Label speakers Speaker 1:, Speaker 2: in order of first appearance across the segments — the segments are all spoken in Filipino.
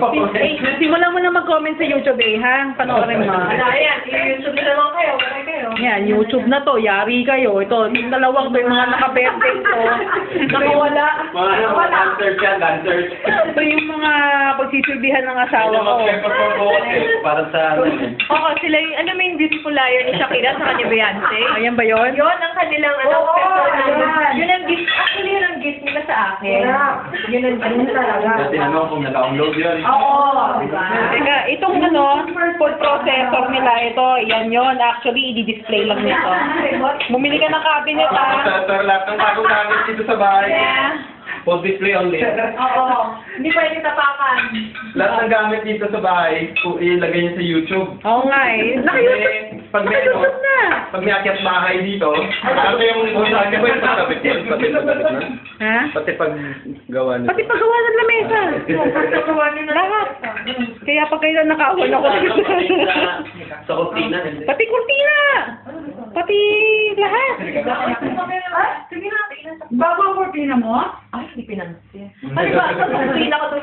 Speaker 1: Simulan mo na mag-comment sa YouTube ha. Panoorin mo.
Speaker 2: Ayan, i-YouTube na naman kayo. Bakit kayo?
Speaker 1: Yan, YouTube na to. Yari kayo. Ito, yung dalawang to, yung mga nakaberdeng to. Nakawala.
Speaker 3: Mga dancers yan, dancers.
Speaker 1: Ito yung mga pagsisilbihan ng asawa ko.
Speaker 3: Para sa ano.
Speaker 2: Oo, sila yung, ano may beautiful liar ni Shakira sa kanya Beyonce?
Speaker 1: Ayan ba yun?
Speaker 2: Yun ang kanilang, yun ang gift, actually yun ang gift nila sa akin. Yun ang gift talaga.
Speaker 3: Kasi ano, kung na-download yun.
Speaker 2: Oo, diba?
Speaker 1: Teka, itong food processor nila, ito, yan yun. Actually, i-display lang nito. Bumili ka ng cabinet ha.
Speaker 3: Sir, lahat ng bagong gamit dito sa bahay.
Speaker 1: Yeah.
Speaker 3: Post display only.
Speaker 2: Oo, hindi pwede tapakan.
Speaker 3: Lahat ng gamit dito sa bahay, kung ilagay niyo sa YouTube.
Speaker 1: Oo nga eh.
Speaker 3: Pag may ano, pag may akyat bahay dito, ano yung sabi ko yung pagkabit yan? Pati pagkabit na?
Speaker 1: Ha?
Speaker 3: Pati pag gawa nito.
Speaker 1: Pati paggawa ng lamesa.
Speaker 2: Pagkagawa nyo na
Speaker 1: Lahat. Kaya pag kayo nakaawan ako.
Speaker 3: Sa kusina.
Speaker 1: Pati kurtina. Pati lahat.
Speaker 2: Sige na, bago ang cortina mo? Ay, hindi pinansin. Ano ba? Sa cortina ko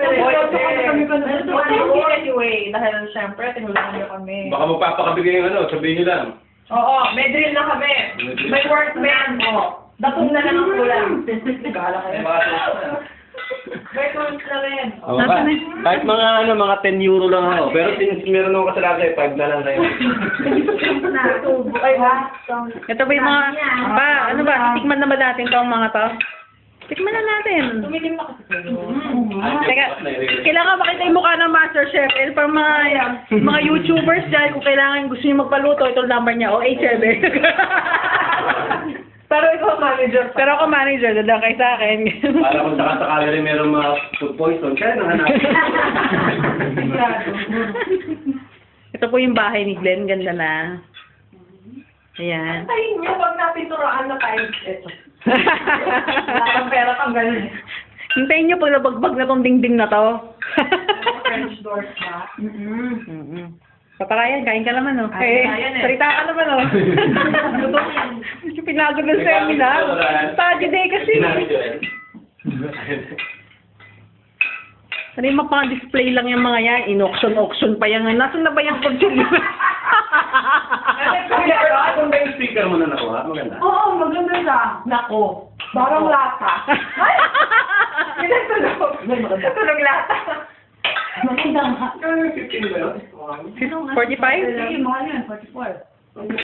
Speaker 2: anyway, dahil syempre, tinulungan niyo kami.
Speaker 3: Baka magpapakabigay yung ano, sabihin nyo lang.
Speaker 2: Oo, may drill na kami. May workman mo. Datong na lang ang kulang. Gala kayo. May tools na rin.
Speaker 3: Oh, kahit mga ano, mga 10 euro lang ako. Pero since meron ako kasalanan, 5 na lang kayo.
Speaker 2: Ay, ha?
Speaker 1: Ito ba yung mga, ano ba, tikman na ba natin itong mga to? Tikman na natin.
Speaker 2: Tumilim na kasi kayo.
Speaker 1: Teka, kailangan makita yung mukha ng Master Chef. Eh, para mga YouTubers dyan, kung kailangan gusto nyo magpaluto, ito ang number niya, 087.
Speaker 2: Pero ikaw manager pa.
Speaker 1: Pero ako manager, dadang kay sa akin.
Speaker 3: Para kung sakasakali rin meron mga food poison, kaya nang hanapin.
Speaker 1: Ito po yung bahay ni Glenn, ganda na. Ayan.
Speaker 2: Ay, nyo, pag napinturaan na tayo, ito. Wala kang pera kang ganun.
Speaker 1: Hintayin nyo pag nabagbag na tong dingding na to.
Speaker 2: French doors ba?
Speaker 1: Papakayan, kain ka naman, no?
Speaker 2: Ay, kain eh.
Speaker 1: Salita ka naman, no? Pinagod ng seminar. Study day kasi. Ano yung mapaka-display lang yung mga yan? In-auction pa yan. Nasaan na ba yung pag-tuloy?
Speaker 3: Kung ba yung speaker mo na nakuha? Maganda.
Speaker 2: Oo, maganda siya. Nako, parang lata. Ay! Tunog lata. Maganda nga.
Speaker 3: 15 ba yun?
Speaker 1: 45?
Speaker 2: Sige, mahal yan, 44.